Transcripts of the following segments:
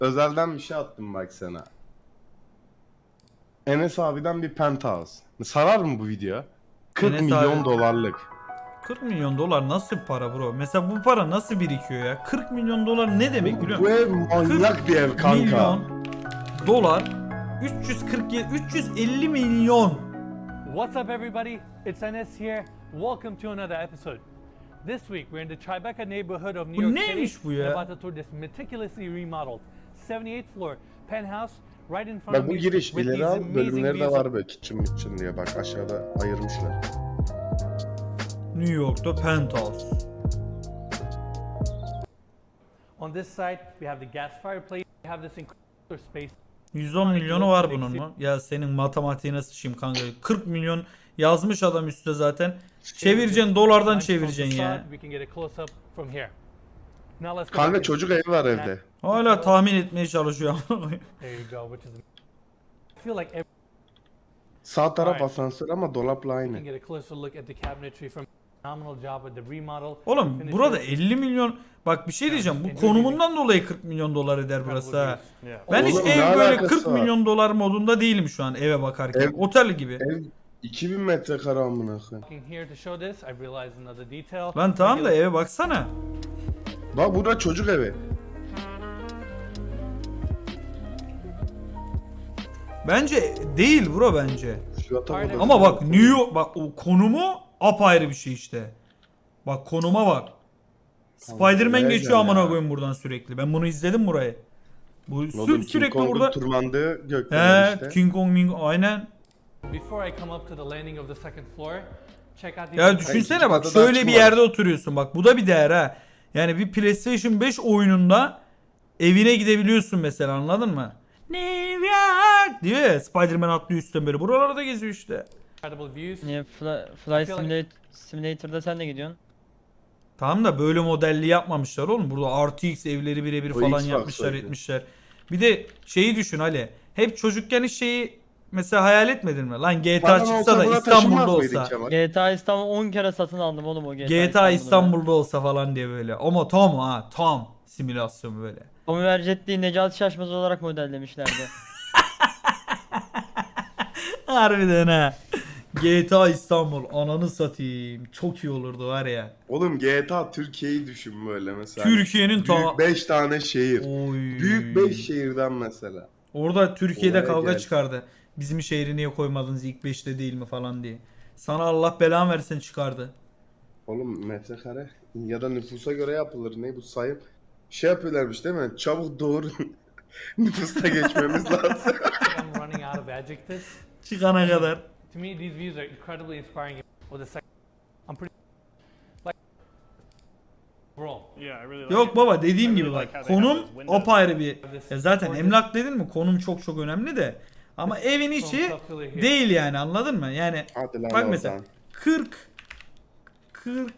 özelden bir şey attım bak sana. Enes abiden bir penthouse. Sarar mı bu video? 40 Enes milyon abi- dolarlık. 40 milyon dolar nasıl para bro? Mesela bu para nasıl birikiyor ya? 40 milyon dolar ne demek biliyor Bu musun? ev manyak bir ev kanka. Milyon dolar 347 350 milyon. What's up, everybody? It's Enes here. Welcome to another episode. This week, we're in the Tribeca neighborhood of New Bu York City. neymiş bu and ya? about to tour this meticulously remodeled 78th floor penthouse right in front Bak of bu me giriş with ileri these al amazing bölümleri de views. var böyle kitchen diye bak aşağıda ayırmışlar. New York'ta penthouse. On this side, we have the gas fireplace. We have this incredible space. 110 milyonu var bunun mu? Ya senin matematiğine sıçayım kanka. 40 milyon yazmış adam üstte zaten. Çevireceksin dolardan Nice front çevireceksin ya. facade. We can get a close up from here. Now let's go Kanka back in. çocuk evi var evde. Hala tahmin etmeye çalışıyor. There you go, which is I feel like every Sağ taraf Alright. asansör ama dolapla You can aynı. get a closer look at the cabinetry from phenomenal job with the remodel. Oğlum Finish burada work, 50 milyon bak bir şey diyeceğim. Bu konumundan dolayı 40 milyon dolar eder burası ha. Ben hiç Oğlum, ne ev böyle alakası 40 var? milyon dolar modunda değilim şu an eve bakarken. Ev- Otel gibi. Ev 2000 metrekare amına koyayım. Looking here to show this, I realized another detail. Lan tamam da eve baksana. Bak burada çocuk evi. Bence değil bro bence. Şu yatak Aynen. odası. Ama bak New York bak o konumu apayrı bir şey işte. Bak konuma bak. Spider-Man buraya geçiyor gel amına ya. koyayım buradan sürekli. Ben bunu izledim burayı. Bu Oğlum, sürekli King Kong'un burada. tırmandığı gökdelen He, işte. King Kong, aynen. Before I come up to the landing of the second floor, check out these Ya incredible- düşünsene bak ikinci odada şöyle bir açım var. yerde oturuyorsun bak bu da bir değer ha. Yani bir PlayStation 5 oyununda evine gidebiliyorsun mesela anladın mı? New York diyor ya Spider-Man atlıyor üstten böyle buralarda geziyor işte. incredible views. Niye Flight feel like- Simulator'da sen de gidiyorsun? Tamam da böyle modelli yapmamışlar oğlum. Burada RTX evleri birebir O falan Xbox yapmışlar öyle. etmişler. Bir de şeyi düşün Ali. Hep çocukken hiç şeyi mesela hayal etmedin mi? Lan GTA Paran çıksa olsa da buna İstanbul'da taşımaz mıydın olsa. Kemal? GTA İstanbul 10 kere satın aldım oğlum o GTA İstanbul'da olsa falan diye böyle. Ama tam ha tam simülasyon böyle. Tommy Vercetti'yi Necati Şaşmaz olarak modellemişlerdi. Harbiden ha. GTA İstanbul ananı satayım. Çok iyi olurdu var ya. Oğlum GTA Türkiye'yi düşün böyle mesela. Türkiye'nin ta... Büyük 5 tane şehir. Oy. Büyük 5 şehirden mesela. Orada Türkiye'de Olaya kavga gel. çıkardı. Bizim şehri niye koymadınız ilk 5'te değil mi falan diye. Sana Allah belanı versin çıkardı. Oğlum metrekare ya da nüfusa göre yapılır. Ne bu sayım? Şey yapıyorlarmış değil mi? Çabuk doğurun. Nüfusta geçmemiz lazım. I'm running out of adjectives. Çıkana kadar. To me, these views are incredibly inspiring. With the second, I'm pretty like overall. Yeah, I really like Yok it. baba dediğim I gibi really bak like how they have konum those windows. apayrı bir. Ya zaten emlak dedin mi konum çok çok önemli de. Ama evin içi değil yani anladın mı? Yani Hadi lan bak mesela oradan. 40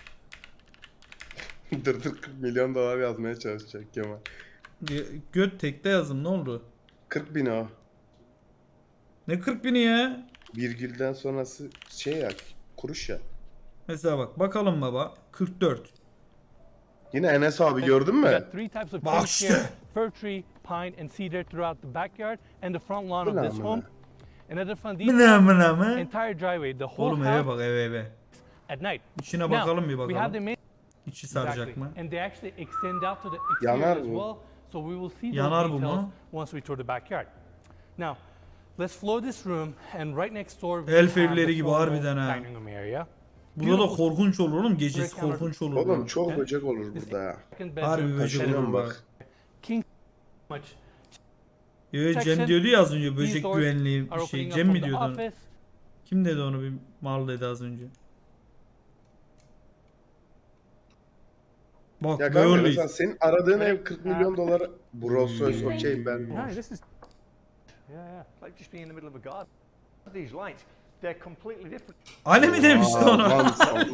dur 40 milyon dolar yazmaya çalışacak Kemal. göt tekte yazın ne oldu? 40 bin o. Ne 40 bini ya? Virgülden sonrası şey ya kuruş ya. Mesela bak bakalım baba 44. Yine Enes abi gördün We mü? got three types of Bak trees işte. here: fir tree, pine, and cedar throughout the backyard and the front lawn of Mına this mına. home. Another fun Mına detail: mına mı? entire driveway, the whole Oğlum eve house bak eve. at night. İçine Now, bakalım bir we have the bakalım. main İçi saracak exactly, mı? and they actually extend out to the exterior Yanar as bu. well. So we will see those Yanar bu details mu? once we tour the backyard. Now, let's floor this room, and right next door we Elf have evleri the gibi formal harbiden ha. dining room area. Burada da korkunç olur oğlum. Gecesi korkunç olur. Oğlum çok He? böcek olur burada ya. Second Harbi bedroom, böcek Taşınıyorum olur bak. bak. king much. Yo, Cem Section. diyordu ya az önce These böcek doors güvenliği are bir şey. opening up Cem from mi the diyordu onu? office. Kim dedi onu bir mal dedi az önce. Bak Ya kanka böyleyiz. mesela senin aradığın ev 40 milyon dolar. Bu Rolls Royce okey ben. No, this is yeah, yeah. Like just being in the middle of a garden. These lights, they're completely different. Ali mi demişti Aa, onu? lan sallama.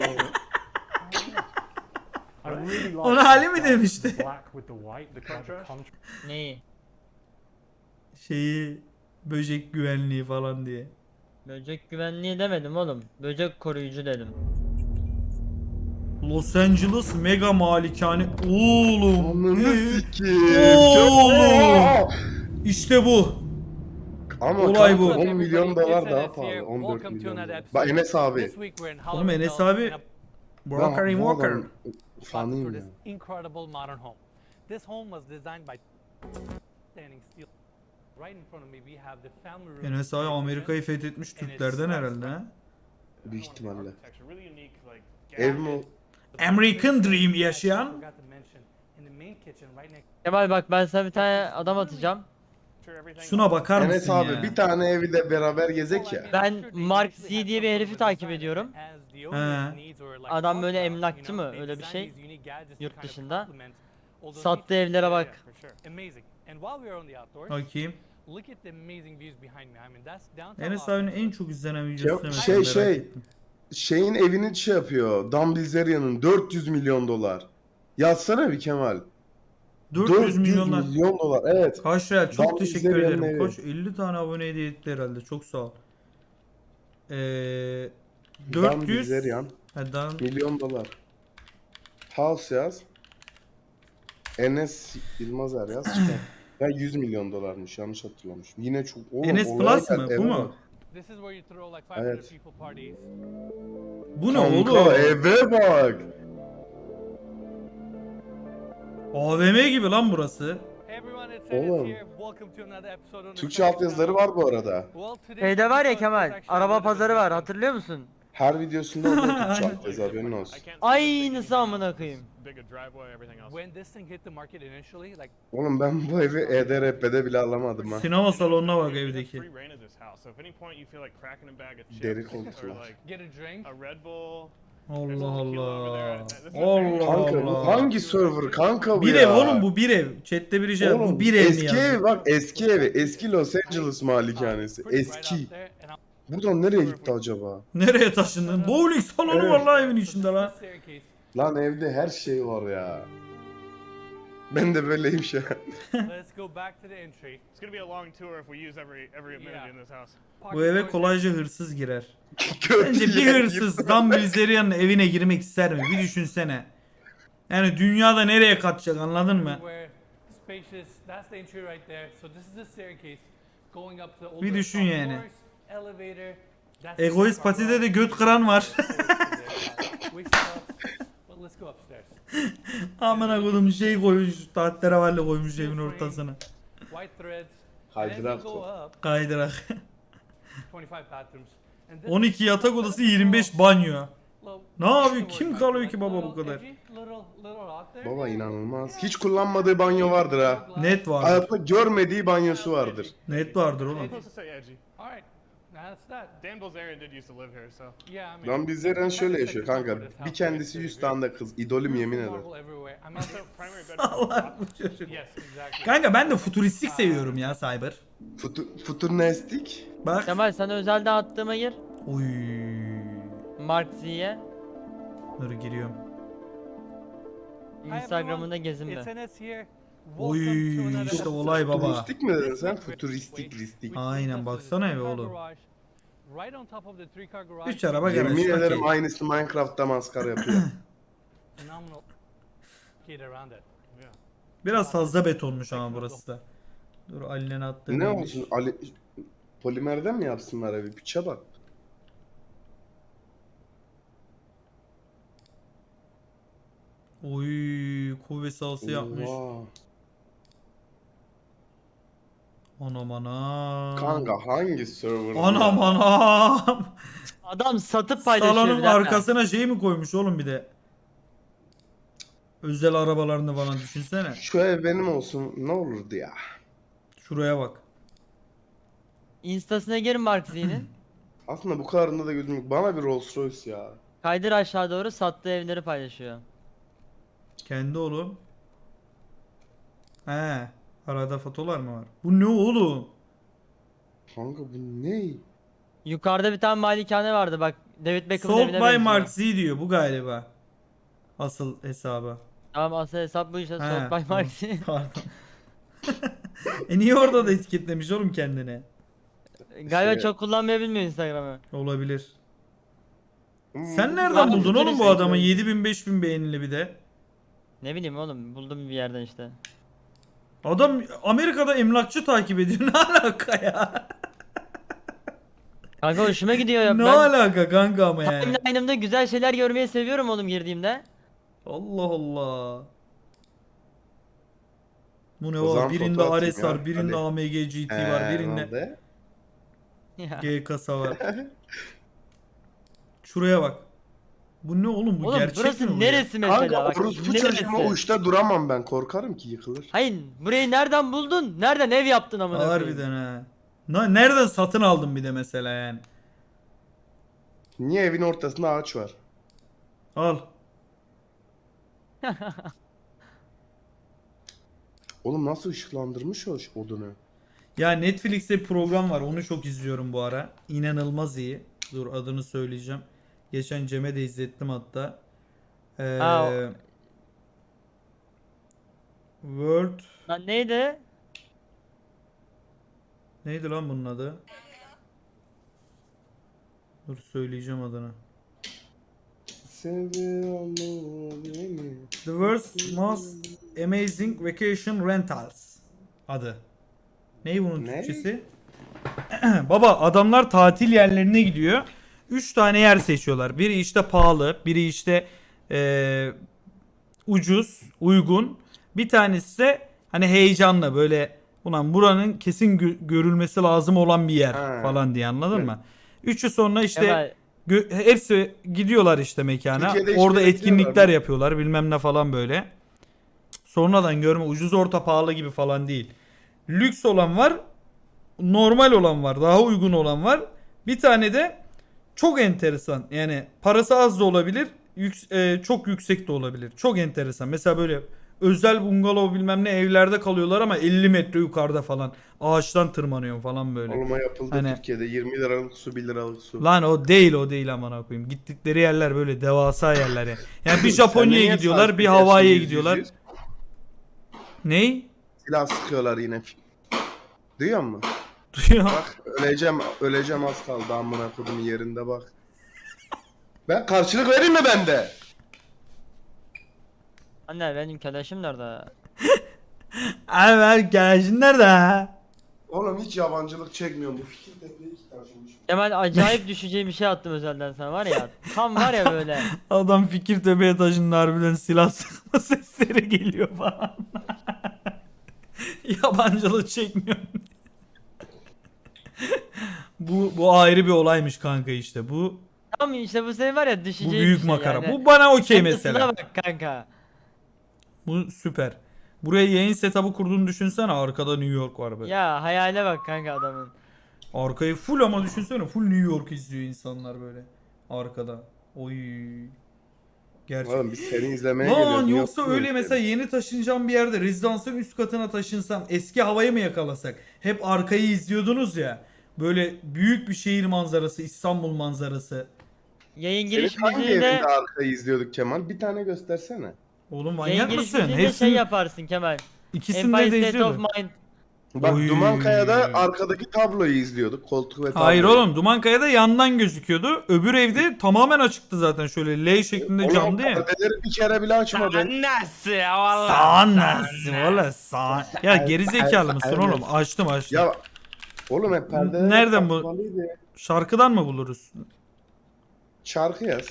I really like Ona Ali mi demişti? black with the white, the contrast. Neyi? Şeyi böcek güvenliği falan diye. Böcek güvenliği demedim oğlum. Böcek koruyucu dedim. Los Angeles mega malikane. Oğlum. Ananı sikeyim. Oğlum. İşte bu. Ama Olay kanka, bu. 10 milyon dolar daha It's pahalı. here. 14 Welcome to milyon another dolar. episode. Bak Enes abi. This week we're in Oğlum Enes Hollywood abi. and Walker Ben bu Walker. adamın about for fanıyım this ya. incredible modern home. This home was designed by standing still. Right in front of me we have the family room. Enes abi Amerika'yı fethetmiş Türklerden herhalde ha. Büyük ihtimalle. Really unique, like Ev mi o? American Dream yaşayan. Forgot to mention, in the main kitchen right next Kemal bak ben sana bir tane adam atacağım. Şuna bakar Enes mısın abi ya? bir tane evi de beraber gezek ya. Ben Mark Z diye bir herifi takip ediyorum. Adam böyle emlakçı mı? Öyle bir şey. Yurt dışında. Sattığı evlere bak. Bakayım. Look at the amazing views behind me. I mean that's downtown. Enes Los abinin Angeles. en çok izlenen videosu ne? Şey, Merak şey. ettim. Şeyin evini şey yapıyor. Dan Bilzerian'ın 400 milyon dolar. Yazsana bir Kemal. 400 milyonlar. milyon dolar. Evet. Kaç real? Çok Dan teşekkür Bilzerian'ın ederim. evi. Koç 50 tane abone hediye etti herhalde. Çok sağ ol. Dan 400 Bilzerian. Milyon dolar. House yaz. Enes Yılmazer yaz çıkar. Ya 100 milyon dolarmış, yanlış hatırlamışım. Yine çok... Oğlum, Enes olaya Plus gel, mı? Bu eve mu? bak. This is where you throw like 500 Evet. people parties. Bu ne Kanka oğlum? eve bak. AVM gibi lan burası. Hey everyone, it's Enes Oğlum. here. Welcome to another episode on the Türkçe Channel. altyazıları var bu arada. Well, today's Şeyde var ya episode is Kemal. actually a Araba little bit pazarı var. different. Hatırlıyor musun? Her videosunda oluyor Türkçe altyazı, haberin olsun. Aynısı amına koyayım. When this thing hit the market initially, like Oğlum ben bu evi EDRP'de bile alamadım ha. Sinema salonuna bak evdeki. Deri koltuklar. get a drink. Allah Allah. Allah Kanka bu Allah. hangi server kanka bu Bir ya? ev oğlum, bu bir ev. Chat'te biri şey Oğlum, bu bir ev mi eski ya? evi bak, eski evi. Eski Los Angeles malikanesi. Put it right Eski. out there and Buradan nereye gitti acaba? Nereye taşındın? Bowling salonu Evet. var lan evin içinde lan. staircase. Lan evde her şey var ya. Ben de böyleyim şu an. Let's go back to the entry. It's gonna be a long tour if we use every amenity in this house. Bu eve kolayca hırsız girer. Kötü Bence bir yer hırsız Dan Bilzerian'ın evine girmek ister mi? Bir düşünsene. Yani dünyada nereye kaçacak, anladın mı? Where spacious. That's the entry right there. So this is the staircase going up to the Bir older düşün top yani. floors, elevator. That's the Egoist car patide garage. de göt kıran var. We stuff. But let's go upstairs. Amına kodum şey koymuş, tahterevalli koymuş evin ortasına. White threads. Kaydırak Go var. up. Kaydırak. 25 bathrooms. And this 12 yatak odası, 25 banyo. little- Ne yapıyor? Kim kalıyor ki baba bu kadar? Little out there. Baba inanılmaz. Hiç kullanmadığı banyo vardır ha. Net vardır. Hayatında görmediği banyosu vardır. Net vardır oğlum. Supposed to say edgy. All right. That's that. Dan Bilzerian did used to live here, so. Yeah, I mean. Lan bizler şöyle yaşıyor kanka. Bir kendisi 100 tane de kız. İdolüm yemin ederim. Marble everywhere. I mean, Also, primary bedroom. Allah bu çocuk. yes, exactly. Kanka ben de futuristik seviyorum ya Cyber. Futurnestik. Bak. Kemal sana özelden attığıma gir. Uy. Mark Z'ye. Dur giriyorum. Instagram'ında gezinme. It's Enes here. Oy, Welcome to another işte episode. olay baba. Futuristik mi dedin This sen? week we're- Futuristik we- listik. we Aynen, cleaned up baksana the eve three-car oğlum. garage. Right on top of the three-car garage. 3 araba garaj. Yemin ederim okey. aynısı Minecraft'ta maskara yapıyor. Phenomenal. Get around it. Biraz fazla betonmuş ama burası da. Dur Ali'nin attığı Ne neymiş? olsun Ali polimerden mi yapsınlar evi? Piçe bak. Oy, kuvvet sahası yapmış. Oha. Anam anam. Kanka hangi server? bu Anam ya? anam. Adam satıp paylaşıyor. Salonun bir dakika. arkasına şey mi koymuş oğlum bir de? Özel arabalarını falan düşünsene. Şu ev benim olsun ne olurdu ya. Şuraya bak. Instasına gir Mark Z'nin. Aslında bu kadarında da gözüm yok. Bana bir Rolls Royce ya. Kaydır aşağı doğru sattığı evleri paylaşıyor. Kendi oğlum. He. Arada fotolar mı var? Bu ne oğlum? Kanka bu ne? Yukarıda bir tane malikane vardı bak. David Beckham'ın Sold evine by benziyor. Mark Z diyor bu galiba. Asıl hesabı. Tamam asıl hesap bu işte. He, Sold by tamam. Mark Z. Pardon. Niye orada da etiketlemiş oğlum kendini? Galiba Şey- çok kullanmayı bilmiyor Instagram'ı. Olabilir. Sen nereden Abi, buldun bütün oğlum bu adamı? 7000-5000 beğenili bir de. Ne bileyim oğlum, buldum bir yerden işte. Adam Amerika'da emlakçı takip ediyor. Ne alaka ya? Kanka hoşuma gidiyor ya. Ne Ben alaka kanka ama yani. timeline'ımda güzel şeyler görmeyi seviyorum oğlum girdiğimde. Allah Allah. Bu ne O var? zaman Birinde foto atayım Ares ya, var, birinde hadi. AMG GT var, birinde Nerede? Ya. G kasa var. Şuraya bak. Bu ne oğlum? Bu Oğlum gerçek mi burası bu ya? neresi mesela? Kanka Bak, orospu neresi? çocuğuma uçta duramam ben. Korkarım ki yıkılır. Hayır, burayı nereden buldun? Nereden ev yaptın amına koyayım? Harbiden ha. Nereden satın aldın bir de mesela yani? Niye evin ortasında ağaç var? Al. Oğlum nasıl ışıklandırmış o odunu? Ya Netflix'te bir program var. Onu çok izliyorum bu ara. İnanılmaz iyi. Dur adını söyleyeceğim. Geçen Cem'e de izlettim hatta. Ha, World Lan neydi? neydi lan bunun adı? Dur söyleyeceğim adını. Seviyorum beni. The World's Most Amazing Vacation Rentals adı. Ney bunun Ne? Türkçesi? Baba adamlar tatil yerlerine gidiyor. 3 tane yer seçiyorlar. Biri işte pahalı, biri işte ucuz, uygun. Bir tanesi de hani heyecanla böyle ulan buranın kesin görülmesi lazım olan bir yer Ha. falan diye anladın Evet. mı? Üçü sonra işte Kemal, hepsi gidiyorlar işte mekana. Türkiye'de Orada hiçbir etkinlikler gidiyorlar mı? yapıyorlar bilmem ne falan böyle. Sonradan görme ucuz orta pahalı gibi falan değil. Lüks olan var, normal olan var, daha uygun olan var. Bir tane de çok enteresan. Yani parası az da olabilir, çok yüksek de olabilir. Çok enteresan. Mesela böyle özel bungalov bilmem ne evlerde kalıyorlar ama 50 metre yukarıda falan. Ağaçtan tırmanıyor falan böyle. Oğlum o yapıldı Hani- Türkiye'de. 20 liralık su 1 liralık su. Lan o değil amına koyayım. Gittikleri yerler böyle devasa yerler ya. Yani bir Sen de Japonya'ya niye gidiyorlar, saat bir ediyorsun, Hawaii'ye yüz gidiyorlar. yüz? Ney? Silah sıkıyorlar yine. Duyuyor musun? Duyuyor. Bak öleceğim az kaldı amına kodumun yerinde bak. Ben karşılık vereyim mi ben de? anne benim arkadaşım nerede? Abi arkadaşın nerede ha? Oğlum hiç yabancılık çekmiyorum bu fikir tepeye hiç taşımış. Kemal acayip düşeceğim bir şey attım özelden sana var ya. Tam var ya böyle. Adam Fikirtepe'ye taşındı harbiden silah sıkma sesleri geliyor falan. Yabancılık çekmiyorum. bu ayrı bir olaymış kanka işte. Bu Tam işte bu senin var ya düşeceğim büyük bir şey makara. yani. Bu bana okey Kendisine mesela. bak kanka. Bu süper. Buraya yayın setup'ı kurduğunu düşünsene. Arkada New York var böyle. Ya hayale bak kanka adamın. Arkayı full ama düşünsene. Full New York izliyor insanlar böyle. Arkada. Oy. Gerçek. Oğlum biz seni izlemeye geliyoruz. Lan niye yoksa oturmuyoruz öyle yani? mesela yeni taşınacağım bir yerde rezidansın üst katına taşınsam eski havayı mı yakalasak? Hep arkayı izliyordunuz ya. Böyle büyük bir şehir manzarası, İstanbul manzarası. Yayın Senin giriş hangi müziğinde evinde arkayı izliyorduk Kemal? Bir tane göstersene. Oğlum yayın manyak giriş mısın? müziğinde şey Hepsini yaparsın Kemal. ikisinde Empire de State of izliyordum. Mind. Bak Oy. Dumankaya'da arkadaki tabloyu izliyorduk. Koltuk ve tabloyu. Hayır oğlum Dumankaya'da yandan gözüküyordu. Öbür evde tamamen açıktı zaten şöyle L şeklinde Oğlum camdı ya. perdeleri bir kere bile açmadın. Nasıl valla? Sağ nasıl valla sağ. Ya gerizekalı mısın Evet. oğlum? Açtım. Ya oğlum hep perdeler Nereden bu? kapalıydı. Şarkıdan mı buluruz? Şarkı yaz.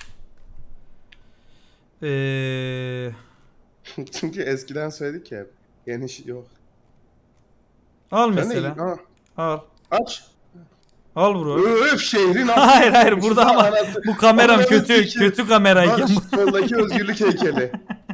Çünkü eskiden söyledik ya. Yeni şey yok. Al Sen de mesela. ha, Al. aç. Al bro. Öf şehrin Hayır burada ama bu kameram Ananı kötü sikeyim. kötü kamerayken. Bak soldaki özgürlük heykeli.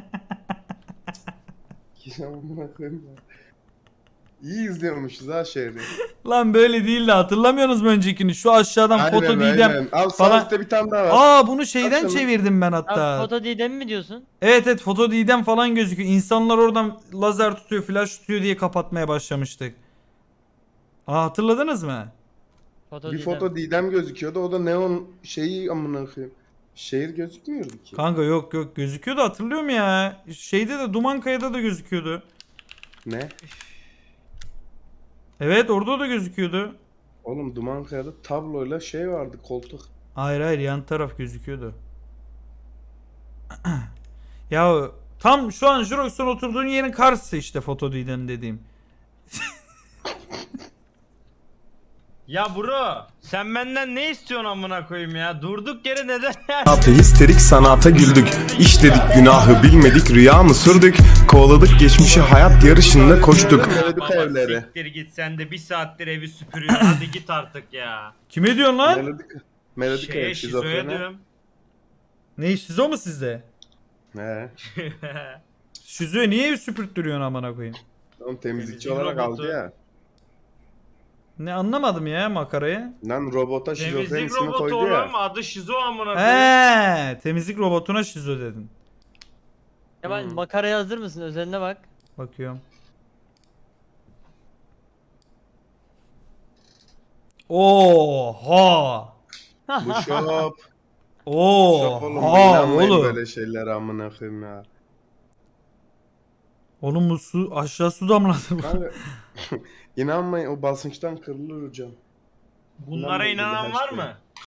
Amına koyayım ya. İyi izliyormuşuz ha şehri. Lan böyle değil de hatırlamıyorsunuz mu öncekini? Şu aşağıdan foto Didem. Al falan. sağ üstte bir tane daha var. Aa bunu şeyden Aç şunu. çevirdim ben Abi hatta. foto Didem mi diyorsun? Evet foto Didem falan gözüküyor. İnsanlar oradan lazer tutuyor, flash tutuyor diye kapatmaya başlamıştık. Aa hatırladınız mı? Foto Bir Didem. foto Didem gözüküyordu. O da neon şeyi amına koyayım. Şehir gözükmüyordu ki. Kanka yok gözüküyordu hatırlıyorum ya. Şeyde de Dumankaya'da da gözüküyordu. Ne? Evet orada da gözüküyordu. Oğlum Dumankaya'da tabloyla şey vardı koltuk. Hayır hayır, yan taraf gözüküyordu. Ya tam şu an Jurox'un oturduğun yerin karşısı işte Fotodiden dediğim. Ya bro sen benden ne istiyorsun amına koyayım ya? Durduk yere neden Sanata histerik sanata güldük. İşledik günahı bilmedik rüya mı sürdük? Kovaladık geçmişi hayat yarışında koştuk. Melodik Baba evleri. siktir git sen de bir saattir evi süpürüyorsun hadi git artık ya. Kime diyorsun lan? Melodik Şeye ev şizoya şizofreni. diyorum. Ne şizo mu sizde? He. Şizoya niye ev süpürttürüyorsun amına koyayım? Oğlum temizlikçi Temizlik olarak robotu. aldı ya. Ne anlamadım ya makarayı. Lan robota şizofren Temizlik ismi robotu koydu olan ya. mı? Adı şizo amına koyayım. Temizlik robotuna şizo dedin. Kemal makaraya hazır mısın? Özeline bak. Bakıyorum. Oha! Bu şop. Şop oğlum. Oha İnanmayın oğlum. böyle şeylere amına koyayım ya. Oğlum bu su aşağı su damladı bu. Kanka inanmayın o basınçtan kırılır hocam. Bunlara inanan var mı?